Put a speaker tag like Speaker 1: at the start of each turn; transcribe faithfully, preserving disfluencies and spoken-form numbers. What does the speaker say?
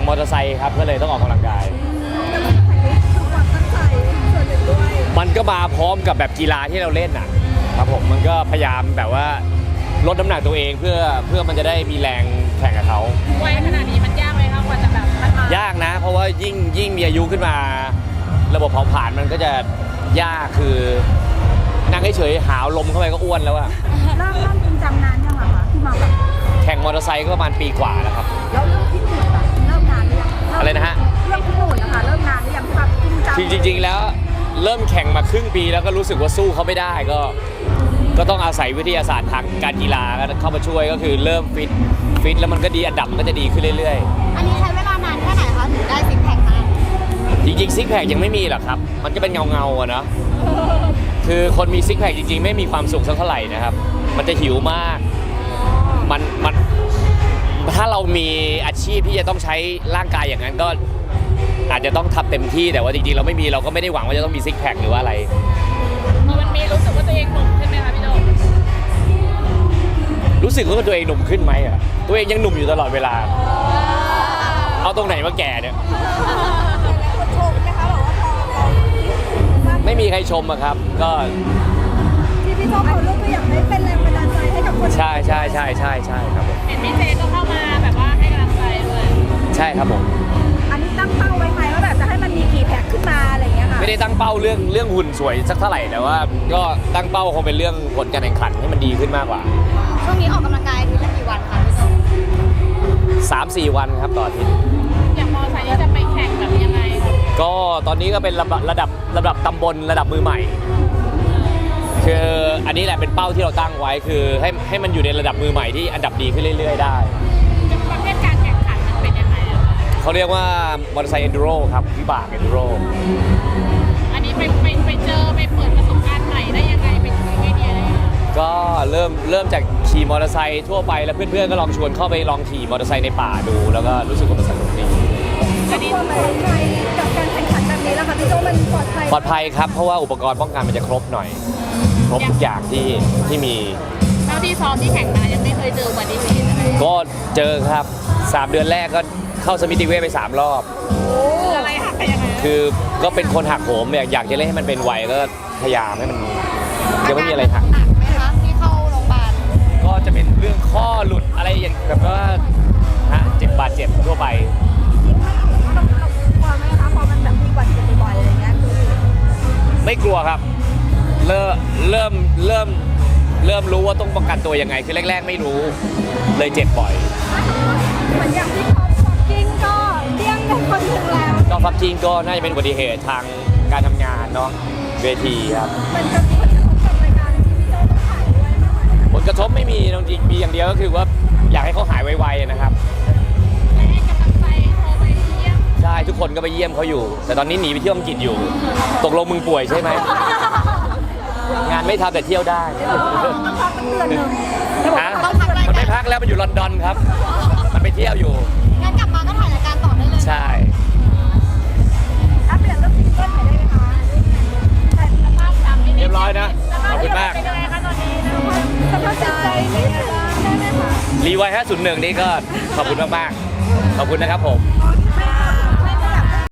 Speaker 1: มอเตอร์ไซค์ครับก็เลยต้องออกกำลังกายมันก็มาพร้อมกับแบบกีฬาที่เราเล่นอ่ะครับผมมันก็พยายามแบบว่าลดน้ำหนักตัวเองเพื่อเพื่อมันจะได้มีแรงแข่งกับเขา
Speaker 2: วัยขนาดนี้มันยากไหมครับกว่าจะแบบมันมาย
Speaker 1: ากนะเพราะว่ายิ่งยิ่งมีอายุขึ้นมาระบบเผาผลาญมันก็จะยากคือนั่งเฉยๆหาวลมเข้าไปก็อ้วนแล้วอะ
Speaker 3: เริ่มเริ่มจริงจังนานยังอะคะที่มาแบบ
Speaker 1: แข่งมอเตอร์ไซค์ก็ประมาณปีกว่าแล้วครับ
Speaker 3: แล้วเริ่มที่หนุนอะเริ่มนานหรือยัง
Speaker 1: อะไรนะฮะ
Speaker 3: เริ่มที่หนุนนะคะเริ่มนานหรือยังที่แบบจริงจัง
Speaker 1: จริงๆแล้วเริ่มแข่งมาครึ่งปีแล้วก็รู้สึกว่าสู้เขาไม่ได้ก็ก็ต้องอาศัยวิทยาศาสตร์ทางการกีฬาเข้ามาช่วยก็คือเริ่มฟิตฟิตแล้วมันก็ดีอันดับมันก็จะดีขึ้นเรื่อย
Speaker 3: ๆอันนี้ใช้เวลานานแค่ไหนคะถึงได้ซิกแพคมา
Speaker 1: จริงๆซิกแพคยังไม่มีหรอกครับมันก็เป็นเงาๆอะเนาะคือคนมีซิกแพคจริงๆไม่มีความสุขสักเท่าไหร่นะครับมันจะหิวมากมันมันถ้าเรามีอาชีพที่จะต้องใช้ร่างกายอย่างนั้นก็อาจจะต้องทำเต็มที่แต่ว่าจริงๆเราไม่มีเราก็ไม่ได้หวังว่าจะต้องมีซิกแพคหรือว่าอะไร
Speaker 2: มันมีรู้สึกว่าตัวเองหนุ่มขึ้นไหมคะพี่โด
Speaker 1: รู้สึกว่าตัวเองหนุ่มขึ้นไหมอ่ะตัวเองยังหนุ่มอยู่ตลอดเวลาเอาตรงไหนมาแก่เนี่ยไม่มีใครชมอะครับก็
Speaker 3: ที่พี่โจ้เขาเลือกตัวอย่างให้เป็นแรงบันดาลใจให้กับคน
Speaker 1: ใช่ใช่ใช่ใช่ใช่ครับผม
Speaker 2: เห็นพี่เจก็เข้ามาแบบว่าให้กำลังใจด้วย
Speaker 1: ใช่ครับผม
Speaker 3: อันนี้ตั้งเป้าไว้ไหมว่าแบบจะให้มันมีกี่แพ็คขึ้นมาอะไรเงี้ยค่ะ
Speaker 1: ไม่ได้ตั้งเป้าเรื่องเรื่องหุ่นสวยสักเท่าไหร่แต่ว่าก็ตั้งเป้าคงเป็นเรื่องผลการแข่งขันให้มันดีขึ้นมากกว่า
Speaker 3: ช่วงนี้ออกกำลังกายทีละกี่วันคะพี่โจ้
Speaker 1: สามสี่วันครับต่ออาทิตย์
Speaker 2: อย่างมอไซค์จะไปแข่งแบบยังไง
Speaker 1: ก็ตอนนี้ก็เป็นระดับระดับระดับตำบลระดับมือใหม่คืออันนี้แหละเป็นเป้าที่เราตั้งไว้คือให้ให้มันอยู่ในระดับมือใหม่ที่อันดับดีขึ้นเรื่อยๆได้
Speaker 2: ประเภทการแข่งขันมันเป็นยังไงอะ
Speaker 1: เขาเรียกว่ามอเตอร์ไซค์เอนดูโรครับวิบากเอนดูโร
Speaker 2: อันนี้ไปไปไปเจอไปเปิดประสบการณ์ใหม่ได้ยังไงเป็นไอเดียอะไร
Speaker 1: ก็เริ่มเริ่มจากขี่มอเตอร์ไซค์ทั่วไปแล้วเพื่อนๆก็ลองชวนเข้าไปลองขี่มอเตอร์ไซค์ในป่าดูแล้วก็รู้สึกว่ามันสนุกดี
Speaker 3: อันนี้ปลอดภัยกับการแข่งขันแบบนี้แล้วค่ะพี่โจ้มันปลอดภัย
Speaker 1: ปลอดภัยครับเพราะว่าอุปกรณ์ป้องกันมันจะครบหน่อยครบทุกอย่างที่ที่มี
Speaker 2: เท่าที่ซ้อมที่แข่งมายังไม่เคยเจออุบัติเหตุอะไร
Speaker 1: ก็เจอครับสามเดือนแรกก็เข้าสมิติเวชไปสามรอบ
Speaker 2: คืออะไรหักไปยังไง
Speaker 1: คือก็เป็นคนหักโหมเนี่ยอยากจะเล่นให้มันเป็นไวก็พยายามให้มันยังไม่มีอะไรหัก
Speaker 3: หนักไหมคะที่เข้าโรงพยาบาล
Speaker 1: ก็จะเป็นเรื่องข้อหลุดอะไรอย่างแบบว่าฮะเจ็บบาดเจ็บทั่วไป
Speaker 3: เราเรากลัวไหมคะพอมันแบบมีอุบัติเหตุบ่อยๆอะไรเงี้ยคือ
Speaker 1: ไม่กลัวครับเริ่มเริ่มเริ่มเริ่มรู้ว่าต้องป้องกันตัวยังไงคือแรกๆไม่รู้เลยเจ็บบ่อย
Speaker 3: เหมือนอย่างที่เขาฟักกิ้งก็เลี่ยงกันคนหนึ่งแล้ว
Speaker 1: ก็ฟักกิ้งก็น่าจะเป็นอุบัติเหตุทางการทำงานเนาะเวทีครับ
Speaker 3: มันจะผลกระทบกับรายการที่พี่โจ้ต้องถ่ายด้วยมากไหม
Speaker 1: ผลกระทบไม่มีจริงๆมีอย่างเดียวก็คือว่าอยากให้เขาหายไวๆนะครับ
Speaker 2: ให้กำลังใจโทรไปเยี่ยม
Speaker 1: ใช่ทุกคนก็ไปเยี่ยมเขาอยู่แต่ตอนนี้หนีไปเที่ยวอังกฤษอยู่ตกลงมึงป่วยใช่ไหมงานไม่ทำแต่เที่ยวได้
Speaker 3: ต้องพักตั้งเดือนหนึ่ง
Speaker 1: ฮะมันไม่พักแล้วมันอยู่ลอนดอนครับมันไปเที่ยวอยู่
Speaker 3: งั้นกลับมาก็ถ่ายรายการต่อได้เลย
Speaker 1: ใช่
Speaker 3: อัปเดตเรื่องซิงเกิลหน่อยได้ไหมคะ
Speaker 1: เรียบร้อยนะขอบคุณมาก
Speaker 2: เป็นยังไงคะตอนนี้
Speaker 3: สภาพจิตใจนี่ได้ไหมคะ
Speaker 1: รีไวห้าศูนย์หนึ่งนี่ก็ขอบคุณมากๆขอบคุณนะครับผม
Speaker 3: ค่ะ